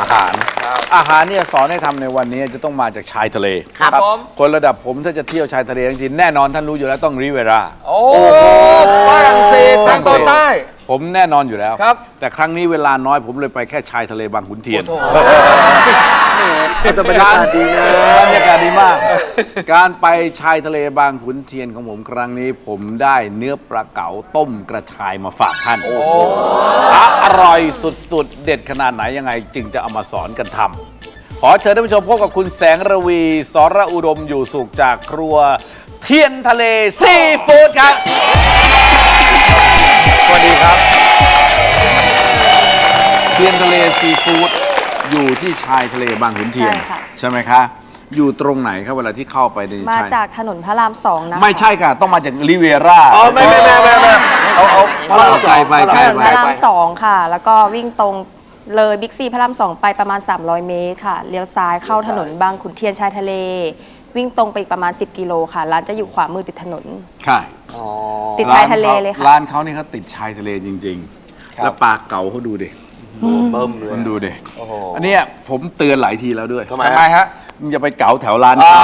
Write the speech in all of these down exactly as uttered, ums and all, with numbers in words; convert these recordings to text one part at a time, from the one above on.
หารอาหารเนี่ยสอนให้ทำในวันนี้จะต้องมาจากชายทะเลครับผมคนระดับผมถ้าจะเที่ยวชายทะเลทั้งทีแน่นอนท่านรู้อยู่แล้วต้องริเวราโอ้ฝรั่งเศสทางตอนใต้ผมแน่นอนอยู่แล้วครับแต่ครั้งนี้เวลาน้อยผมเลยไปแค่ชายทะเลบางขุนเทียนแต่บรรยากาศดีนะบรรยากาศดีมาก การไปชายทะเลบางขุนเทียนของผมครั้งนี้ผมได้เนื้อปลาเก๋าต้มกระชายมาฝากท่านอร่อยสุดๆ เด็ดขนาดไหนยังไงจึงจะเอามาสอนกันทำขอเชิญท่านผู้ชมพบกับคุณแสงระวีสรอุดมอยู่สุขจากครัวเทียนทะเลซีฟู้ดครับสวัสดีครับเทียนทะเลซีฟู้ดอยู่ที่ชายทะเลบางขุนเทียนใช่ค่ะใช่ไหมคะอยู่ตรงไหนครับเวลาที่เข้าไปในมาชายจากถนนพระรามสองนะคะไม่ใช่ค่ะต้องมาจากริเวราอ๋อไม่ไม่ไม่ไม่ไม่เอาเอาพระรามสองไปไปถนนไปพระรามสองค่ะ แล้วก็วิ่งตรงเลยบิ๊กซีพระรามสองไปประมาณสามร้อยเมตรค่ะเลี้ยวซ้ายเข้าถนนบางขุนเทียนชายทะเล วิ่งตรงไปอีกประมาณสิบกิโลค่ะร้านจะอยู่ขวามือติดถนนใช่ติดชายทะเลเลยค่ะร้านเขานี่เขาติดชายทะเลจริงๆ แล้วปลาเก๋าเขาดูดิเบิ่มเลยมันดูดิอันเนี้ยผมเตือนหลายทีแล้วด้วยทำไมฮะมึงอย่าไปเก๋าแถวร้านเขา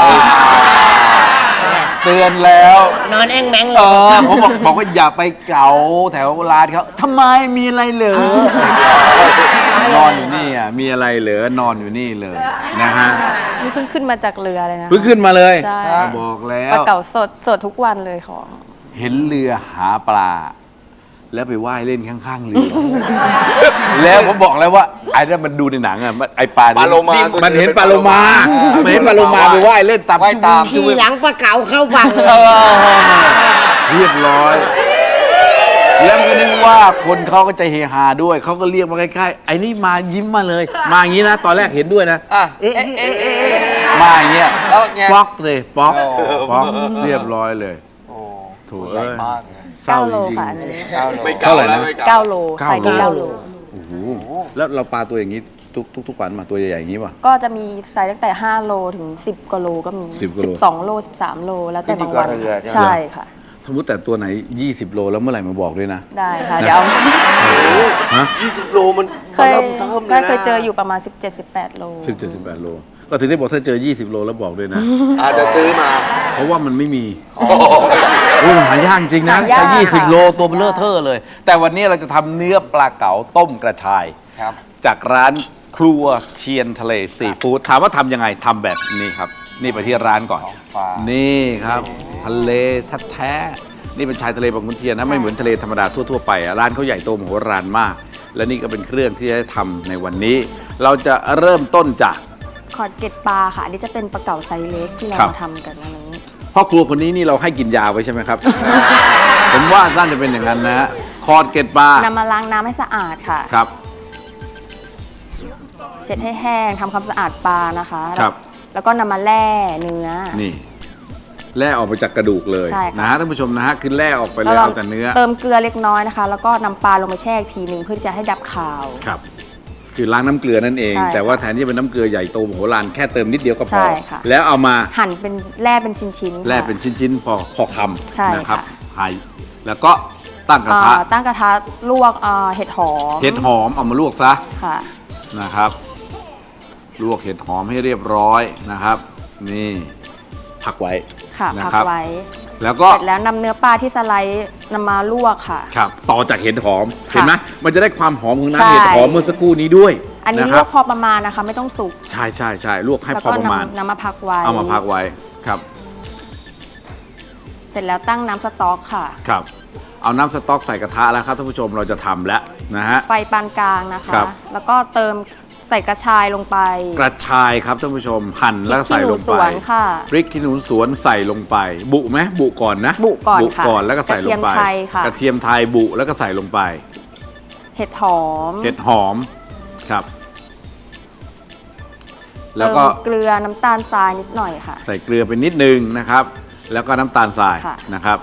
เตือนแล้วนอนแองแมงเลเอย อผมบอกบอกว่าอย่าไปเก๋าแถวร้านเขาทำไมมีอะไรเหรอนอนอยู่นี่อ่ะมีอะไรเหรอนอนอยู่นี่เลยนะฮะนี่เพิ่งขึ้นมาจากเรือเลยนะเพิ่งขึ้นมาเลยใช่บอกแล้ปลาว เก๋าสดสดทุกวันเลยของเห็นเรือหาปลา แล้วไปว่ายเล่นข้างๆเรือ แล้วผมบอกแล้วว่าไอ้นั่นมันดูในหนังอ่ะมันไอ้ปลาปลาโลมามันเห็นปลาโลมามันเห็นปลาโลมาไปว่ายเล่นตามว่ายตามจุ๊บขี่หลังปลาเก๋าเข้าฝั่งเลยเออเรียบร้อย แล้วมันก็นึกว่าคนเขาก็จะเฮฮาด้วยเขาก็เรียกมาใกล้ๆไอ้นี่มายิ้มมาเลย มาอย่างนี้นะ ตอนแรกเห็นด้วยนะอ่ะเอ๊ะเอ๊ะเอ๊ะเอ๊ะมาอย่างเงี้ยแล้วไงป๊อกเลยป๊อกโอ้ป๊อกเรียบร้อยเลยโอ้โถูใหญ่เอ้ยมากเลยเศร้าเก้าจโลริงค่ะอันนี้เก้าโลไม่เท่าไหร่นะไม่เก้าโลเก้าใส่โลเก้าโลๆโอ้โหแล้วเราปลาตัวอย่างนี้ทุกทุกทุกวันมาตัวใหญ่ๆอย่างนี้ป่ะก็จะมีไซส์ตั้งแต่ห้าโลถึงสิบกว่าโลก็มีสิบกว่าโลสิบสองโลสิบสามโลแล้วแต่บางวันขึ้นอยู่กับเรือใช่ไหมใช่ค่ะสมมติแต่ตัวไหนยี่สิบโลแล้วเมื่อไหร่มาบอกด้วยนะได้ค่ะเดี๋ยวฮะยี่สิบโลมันเคยเริ่มเทิมเลก็ยนะเคยเจออยู่ประมาณ สิบเจ็ด สิบแปด โลสิบเจ็ดสิบแปดโลก็ถึงได้บอกถ้าเจอยี่สิบโลแล้วบอกด้วยนะอาจจะซื้อมาเพราะว่ามันไม่มีโอ้ยมันหายากจริงนะหายากถ้ายี่สิบค่ะโลตัวเบลอเทอร์เลย แต่วันนี้เราจะทำเนื้อปลาเก๋าต้มกระชายครับจากร้านครัวเทียนทะเลซีฟู้ดถามว่าทำยังไงทำแบบนี้ครับ นี่ไปที่ร้านก่อนฟ้านี่ครับ ทะเลแท้ๆนี่เป็นชายทะเลบางขุนเทียนนะไม่เหมือนทะเลธรรมดาทั่วๆไปอ่ะร้านเขาใหญ่โตมโหฬารมาก และนี่ก็เป็นเครื่องที่จะทำในวันนี้ เราจะเริ่มต้นจากขอดเกล็ดปลาค่ะอันนี้จะเป็นปลาเก๋าไซส์เล็กที่เราครับมาทำกันนะนี้พ่อครัวคนนี้นี่เราให้กินยาไว้ใช่ไหมครับ ผมว่าน่าจะเป็นอย่างนั้นนะฮะคอดเกล็ดปลานำมาล้างน้ำให้สะอาดค่ะครับเช็ดให้แห้งทำความสะอาดปลานะคะครับแล้วก็นำมาแล่เนื้อนี่แล่ออกไปจากกระดูกเลยใช่ค่ะนะฮะท่านผู้ชมนะฮะคือแล่ออกไปเลยเราเอาแต่เนื้อเติมเกลือเล็กน้อยนะคะ แล้วก็นำปลาลงไปแช่อีกทีหนึ่งเพื่อที่จะให้ดับคาวครับ คือล้างน้ำเกลือนั่นเองใช่แต่ว่าแทนที่จะเป็นน้ำเกลือใหญ่โตมโหฬารแค่เติมนิดเดียวก็พใช่อค่ะแล้วเอามาหั่นเป็นแล่เป็นชิ้นๆค่ะแล่เป็นชิ้นๆพอพอคใช่ำนะครับค่ะหั่นแล้วก็ตั้งกระทะอ่าตั้งกระทะลวกอ่าเห็ดหอมเห็ดหอมเอามาลวกซะค่ะนะครับ ลวกเห็ดหอมให้เรียบร้อยนะครับ นี่พักไว้ค่ะนะพักครับไว้แล้วก็เสร็จแล้วนำเนื้อปลาที่สไลด์นำมาลวกค่ะครับต่อจากเห็ดหอมค่ะเห็นไหมมันจะได้ความหอมของใช่น้ำเห็ดหอมเมื่อสักครู่นี้ด้วยอันนี้นะลคว รักพอประมาณนะคะ ไม่ต้องสุกใช่ใช่ใช่ลวกให้แล้วพอก็ประมาณนำนำมาพักไว้เอามาพักไว้ครับเสร็จแล้วตั้งน้ำสต๊อกค่ะครับ เอาน้ำสต๊อกใส่กระทะแล้วครับท่านผู้ชมเราจะทำแล้วนะฮะไฟปานกลางนะคะครับแล้วก็เติมใส่กระชายลงไปกระชายครับท่านผู้ชมหั่นแล้วก็ใส่ลงพริกขี้หนูไปสวนค่ะพริกขี้หนูสวนใส่ลงไป บุไหมบุก่อนนะบุก่อนบุค่ะก่อนแล้วก็ใส่ลงไปกระเทียมไทยค่ะกระเทียมไทยบุแล้วก็ใส่ลงไปเห็ดหอมเห็ดหอมครับ แล้วก็เติมเกลือน้ำตาลทรายนิดหน่อยค่ะใส่เกลือไปนิดนึงนะครับ แล้วก็น้ำตาลทรายค่ะนะครับ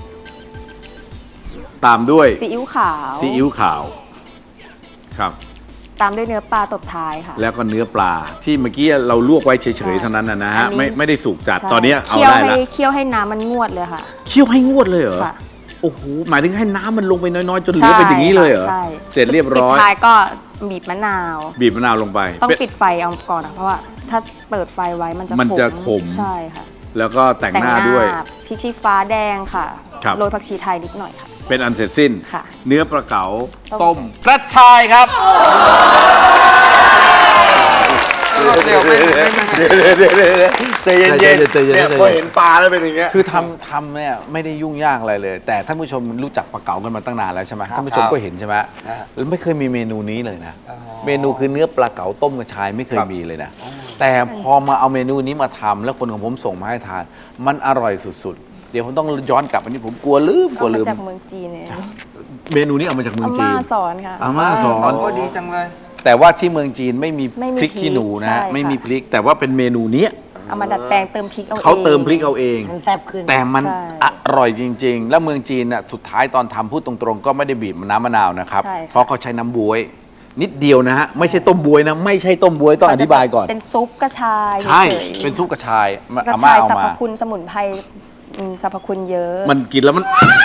ตามด้วยซีอิ๊วขาวซีอิ๊วขาวครับตามด้วยเนื้อปลาตบท้ายค่ะแล้วก็เนื้อปลาที่เมื่อกี้เราลวกไว้เฉยๆเท่านั้นนะนะฮะอันนี้ไม่ไม่ได้สุกจัดใช่ตอนนี้เอาเคี่ยวได้ให้แล้วเคี่ยวให้น้ำมันงวดเลยค่ะเคี่ยวให้งวดเลยเหรอค่ะโอ้โหหมายถึงให้น้ำมันลงไปน้อยๆจนเหลือเป็นอย่างนี้เลยเหรอใช่เสร็จเรียบร้อยปิดท้ายก็บีบมะนาวบีบมะนาวลงไปต้องเป็นปิดไฟเอาก่อนนะเพราะว่าถ้าเปิดไฟไว้มันจะมันจะขมใช่ค่ะแล้วก็แต่งหน้าด้วยพริกชี้ฟ้าแดงค่ะครับโรยผักชีไทยนิดหน่อยค่ะเป็นอันเสร็จสิ้นค่ะเนื้อปลาเก๋าต้ต้มมกระชายครับเดี๋ยวใจเย็นๆใจเย็นๆใจเย็นๆเนี่ยพอเห็นปลาแล้วเป็นอย่างเงี้ยคือทำทำเนี่ยไม่ได้ยุ่งยากอะไรเลย แต่ท่านผู้ชมรู้จักปลาเก๋ากันมาตั้งนานแล้วใช่ไหมท่านผู้ชมก็เห็นใช่ไหมแล้วไม่เคยมีเมนูนี้เลยนะ เมนูคือเนื้อปลาเก๋าต้มกระชายไม่เคยมีเลยนะ แต่พอมาเอาเมนูนี้มาทำแล้วคนของผมส่งมาให้ทาน มันอร่อยสุดๆ เดี๋ยวผมต้องย้อนกลับอันนี้ผมกลัวลืมกลัเอาวมาลืมจากเมืองจีนเนี่ยเมนูนี้เอามาจากเมืองอาจีม่าน สอนค่ะอาม่าสอนโอ้ดีจังเลยแต่ว่าที่เมืองจีนไม่มีไม่มีพริกขี้หนูนะพริกใช่ไม่มีค่ะพริก แต่ว่าเป็นเมนูเนี้ยเอามาดัดแปลงเติมพริกเอาเองเขาเติมพริกเอาเองมันแซ่บขึ้นแต่มันใช่อร่อยจริง ๆ แล้วเมืองจีนน่ะสุดท้ายตอนทำพูดตรงๆ ก็ไม่ได้บีบน้ำมะนาวนะครับใช่ค่ะเพราะเขาใช้น้ำบวย นิดเดียวนะฮะ ไม่ใช่ต้มบวยนะ ไม่ใช่ต้มบวยต้องอธิบายก่อนเป็นซุปกระชายใช่ฉยๆเป็นซุปกระชายมากระอาม่าชายเอาสรรพมาคุณสมุนไพรอืมสรรพคุณเยอะมันกินแล้วมัน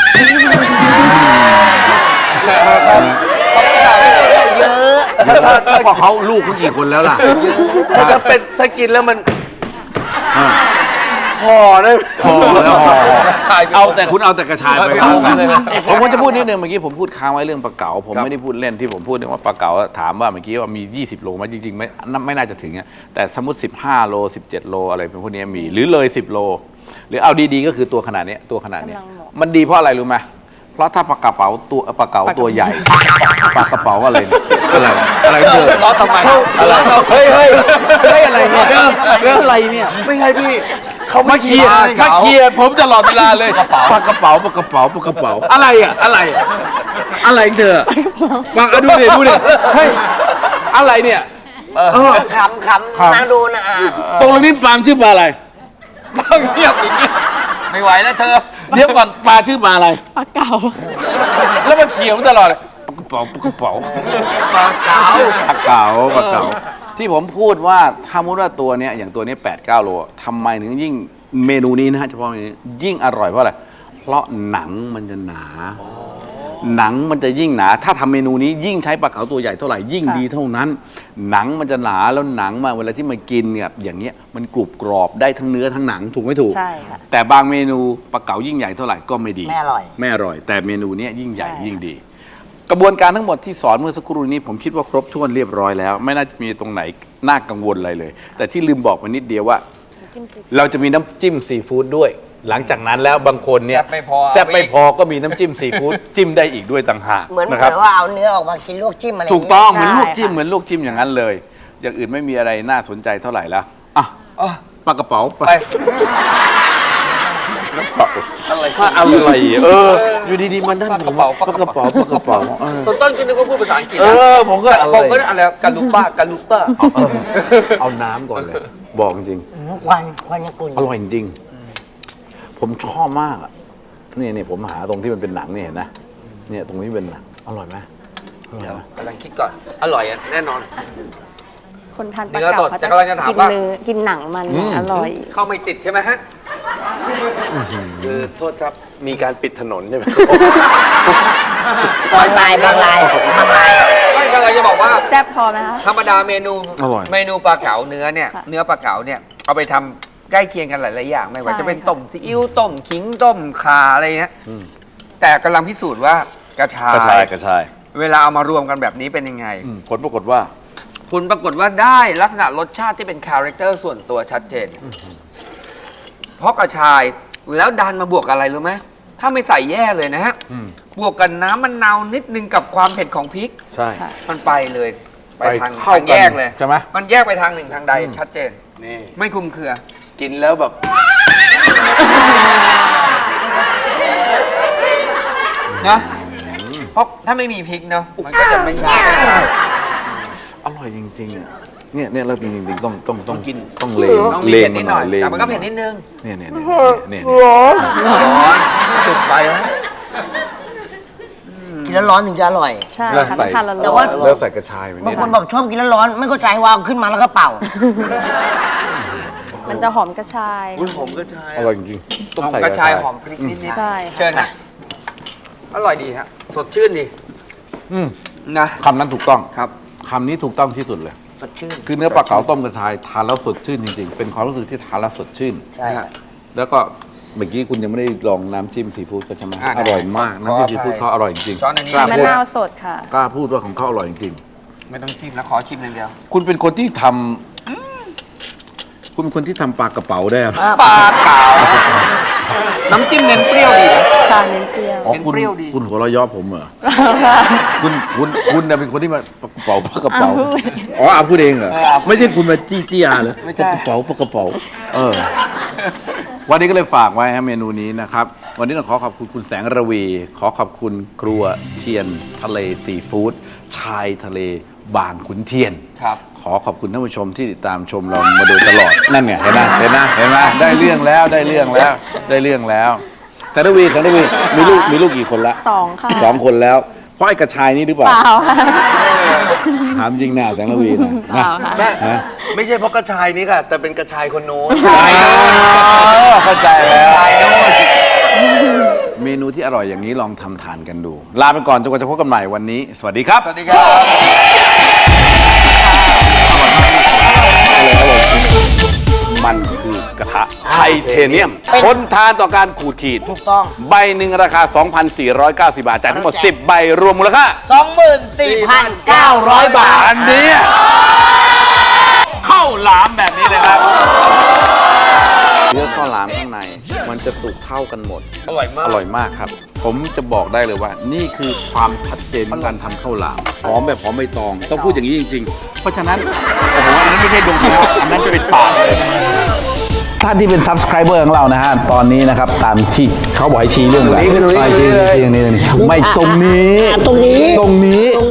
เยอะเพราะเขาลูกเขากี่คนแล้วล่ะถ้าถ้าเป็นถ้ากินแล้วมันอ่าห่อได้พอแล้วพอชายเอาแต่คุณเอาแต่กระชายไปไม่ครัเอาบเลยนะผมก็จะพูดนิดนึงเมื่อกี้ผมพูดค้างไว้เรื่องปลาเก๋าผมไม่ได้พูดเล่นที่ผมพูดเรื่องว่าปลาเก๋าถามว่าเมื่อกี้ว่ามียี่สิบโลไหมจริงๆไม่ไม่น่าจะถึงอะแต่สมมติสิบห้าโลสิบเจ็ดโลอะไรเป็นพวกนี้มีหรือเลยสิบโลหรือเอาดีๆก็คือตัวขนาดเนี้ยตัวขนาดเนี้ยกำลังเหมาะมันดีเพราะอะไรรู้ไหมเพราะถ้าปลากระเป๋าตัวปลาเก๋าตัวใหญ่ปลากระเป๋าอะไรเนี่ยอะไรอะไรเถอะล้อทำไมอะไรเฮ้ยเฮ้ยเฮ้ยอะไรเนี่ยอะไรเนี่ยไม่ใช่พี่เขามาไม่เคลียร์กินมาเคลียร์ผมตลอดเวลาเลยปลากระเป๋าปลากระเป๋าปลากระเป๋าอะไรอ่ะอะไรอะไรเธอวางดูดิดูดิเฮ้ยอะไรเนี่ยเออขำขำนะดูนะอ่ะตรงนี้ฟาร์มชื่อปลาอะไรเงียบอย่างนี้ไม่ไหวแล้วเธอเดี๋ยวก่อนปลาชื่อปลาอะไรปลาเก๋าแล้วมาเขียวตลอดเลยปลากระเป๋าปลากระเป๋าปลาเก๋าปลาเก๋าปลาเก๋าที่ผมพูดว่าถ้ามุติว่าตัวเนี้ยอย่างตัวนี้แปดเก้าโลทำไมถึงยิ่งเมนูนี้นะฮะเฉพาะเมนูนี้ยิ่งอร่อยเพราะอะไรเพราะหนังมันจะหนา หนังมันจะยิ่งหนา ถ้าทำเมนูนี้ยิ่งใช้ปลาเก๋าตัวใหญ่เท่าไหร่ยิ่งดีเท่านั้น หนังมันจะหนาแล้วหนังมาเวลาที่มากินเนี่ยอย่างเงี้ยมันกรุบกรอบได้ทั้งเนื้อทั้งหนังถูกไม่ถูกใช่ค่ะแต่บางเมนูปลาเก๋ายิ่งใหญ่เท่าไหร่ก็ไม่ดีไม่อร่อยไม่อร่อย แต่เมนูเนี้ยยิ่งใหญ่ใช่ยิ่งดี กระบวนการทั้งหมดที่สอนเมื่อสักครู่นี้ผมคิดว่าครบถ้วนเรียบร้อยแล้ว ไม่น่าจะมีตรงไหนน่ากังวลอะไรเลย แต่ที่ลืมบอกไปนิดเดียวว่าจิ้มซีฟู้ดเราจะมีน้ำจิ้มซีฟู้ดด้วย หลังจากนั้นแล้วบางคนเนี่ยแซ่บไม่พอแซ่บไม่พอก็มีน้ำจิ้มซีฟู้ดจิ้มได้อีกด้วยต่างหากเหมือนเหมืนะครับอนว่าเอาเนื้อออกมากินลวกจิ้มอะไรถูกต้องเหได้มือนลวกจิ้มค่ะเหมือนลวกจิ้มอย่างนั้นเลย อย่างอื่นไม่มีอะไรน่าสนใจเท่าไหร่แล้วอ่ะอ๋อปลากระเป๋าปลาไปกระเป๋าอะไรว่าอะไรเออ อยู่ดีๆมันด้านปลากระเป๋าปลากระเป๋าปลากระเป๋าเออตอนต้นก็นึกว่าพูดภาษาอังกฤษเอนะอผมก็อะไรผมก็อะไรกาลูป้ากาลูป้าเออเอาน้ำก่อนเลย บอกจริงอืมควันควันยังกุ่นอร่อยจริง ผมชอบมากอ่ะนี่นี่ผมหาตรงที่มันเป็นหนังนี่เห็นนะเนี่ยตรงนี้เป็นหนังอร่อยไหมอร่อยไหมกำลังคิดก่อน อร่อยอ่ะแน่นอนคนทานปลาเนื้อสเก๋าดเขาแต่กำลังจะถามกินว่าเนื้อกินหนังมันอร่อยเข้าไม่ติดใช่ไหมฮะคือโทษครับมีการปิดถนนใช่ไหมบางลายบางลายบางลายไม่กำลังจะบอกว่าแซ่บพอไหมคะธรรมดาเมนูอร่อยเมนูปลาเก๋าเนื้อเนี่ยค่ะเนื้อปลาเก๋าเนี่ยเอาไปทำใกล้เคียงกันหลายๆอย่างไม่ว่าใช่จะเป็นค่ะต้มซีอิ๊วต้มขิงต้มข่าอะไรเงี้ยแต่กำลังพิสูจน์ว่ากระชากระชายยกระชายเวลาเอามารวมกันแบบนี้เป็นยังไงอืมผลปรากฏว่าคุณปรากฏว่าได้ลักษณะรสชาติที่เป็นคาแรคเตอร์ส่วนตัวชัดเจน เพราะกระชายแล้วดันมาบวกอะไรรู้ไหมถ้าไม่ใส่แย่เลยนะฮะอืมบวกกันน้ำมะนาวนิดนึงกับความเผ็ดของพริกใช่ค่ะมันไปเลย ไปไปทางเข้าทางแยกเลยใช่ไหมมันแยกไปทางหนึ่งทางใดชัดเจนนี่ไม่คลุมเครือกินแล้วแบบนะเพราะถ้าไม่มีพริกเนาะมันก็จะไม่ได้อร่อยจริงๆอ่ะเนี่ยเนี่ยเราจริงๆต้องต้องต้องต้องกินต้องเลงต้องมีเลเผ็งดนิมาดหหน่น่ออย ยเลงแต่มันก็เผ็ดนิดนึงเนี่ยเนี่ยเนี่ยเนี่ยเนี่ยร้อนจุดไปแล้วกินแล้วร้อนถึงจะอร่อยใช่แล้วค่ะใส่ทานละแต่ร้อว่านแล้วใส่กระชายไปบางนิดคนบอกชอบกินแล้วร้อนไม่เข้าใจว่าเอาขึ้นมาแล้วก็เป่ามันจะหอมกระชายอุ้ยผมก็ใช่อร่อยจริงๆต้องใส่กระชายหอมพริกนิดใช่ๆค่ะเชิญนะอร่อยดีฮะสดชื่นดีอืมนะคำนั้นถูกต้องครับคำนี้ถูกต้องที่สุดเลยสดชื่นคือเนื้อปลาเก๋าต้มกระชายทานแล้วสดชื่นจริงๆ เป็นความรู้สึกที่ทานแล้วสดชื่นใช่ครับแล้วก็เมื่อกี้คุณยังไม่ได้ลองน้ำจิ้มซีฟู้ดเขาใช่ไหมอ่ะอร่อยมากขอน้ำจิ้มซีฟู้ดอภัยเขาอร่อยจริงช้อนอันนี้กล้ามะพูดนาวสดค่ะกล้าพูดว่าของเขาอร่อยจริงไม่ต้องชิมแล้วขอชิมอย่างเดียวคุณเป็นคนที่ทำคุณเป็นคนที่ทำปลากระเป๋าได้ครับปลาเก๋าน้ำจิ้มเน้นเปรี้ยวดีนะทานเน้นเปรี้ยวอ๋อเป็นคุณเปรี้ยวดีคุณหัวเราะเย่อผมเหรอ คุณคุณคุณน่ะเป็นคนที่มาปลากระเป๋าปลากระเป๋าอ้าวพูดอ๋ออาพูดเองเหรอเอออาพูดไม่ใช่คุณมาจี้จี้อาเหรอไม่ใช่ปลากระเป๋าปลากระเป๋าเออ วันนี้ก็เลยฝากไว้ฮะเมนูนี้นะครับ วันนี้ต้องขอขอบคุณคุณแสงระวี ขอขอบคุณครัวเทียนทะเลซีฟู้ดชายทะเลบางขุนเทียนครับขอขอบคุณท่านผู้ชมที่ติดตามชมเรามาโดยตลอด นั่นไงเห็นไหมเห็นไหมเห็นไหมได้เรื่องแล้วได้เรื่องแล้ว ได้เรื่องแล้วแสงระวีแสงระวีมีลูกมีลูกกี่คนละสองค่ะสองคนแล้ว เพราะไอ้กระชายนี่หรือเปล่าเปล่าค่ะถามจริงหน้าแสงระวีนะเปล่าค่ะแม่ฮะไม่ใช่เพราะกระชายนี้ค่ะ แต่เป็นกระชายคนโน้นเข้าใจแล้ว เมนูที่อร่อยอย่างนี้ลองทำทานกันดู ลาไปก่อนจนกว่าจะพบกันใหม่วันนี้ สวัสดีครับสวัสดีครับมันคือกระทะไทเทเนียม ทนทานต่อการขูดขีดถูกต้องใบหนึ่งราคา สองพันสี่ร้อยเก้าสิบ บาทจ่ายทั้งหมด สิบ ใบรวมมูลค่าสองหมื่นสี่พันเก้าร้อยบาทอันนี้ข้าวหลามแบบนี้เลยครับเนื้อข้าวหลามข้างในมันจะสุกเข้ากันหมดอร่อยมากอร่อยมากครับ ผมจะบอกได้เลยว่า นี่คือความชัดเจนของการทำข้าวหลามหอมแบบหอมใบตอง ต้องพูดอย่างนี้จริง ๆ เพราะฉะนั้นโอ้โหอันนั้นไม่ใช่ดวงตาอันนั้นจะเป็นปากเลยท่านที่เป็น subscriber ของเรานะฮะ ตอนนี้นะครับ ตามที่เขาบอกให้ชี้เรื่องอะไรตรงนี้คือตรงนี้ชี้ชี้ชี้ชี้ตรงนี้ไม่ตรงนี้อ่ะตรงนี้ตรงนี้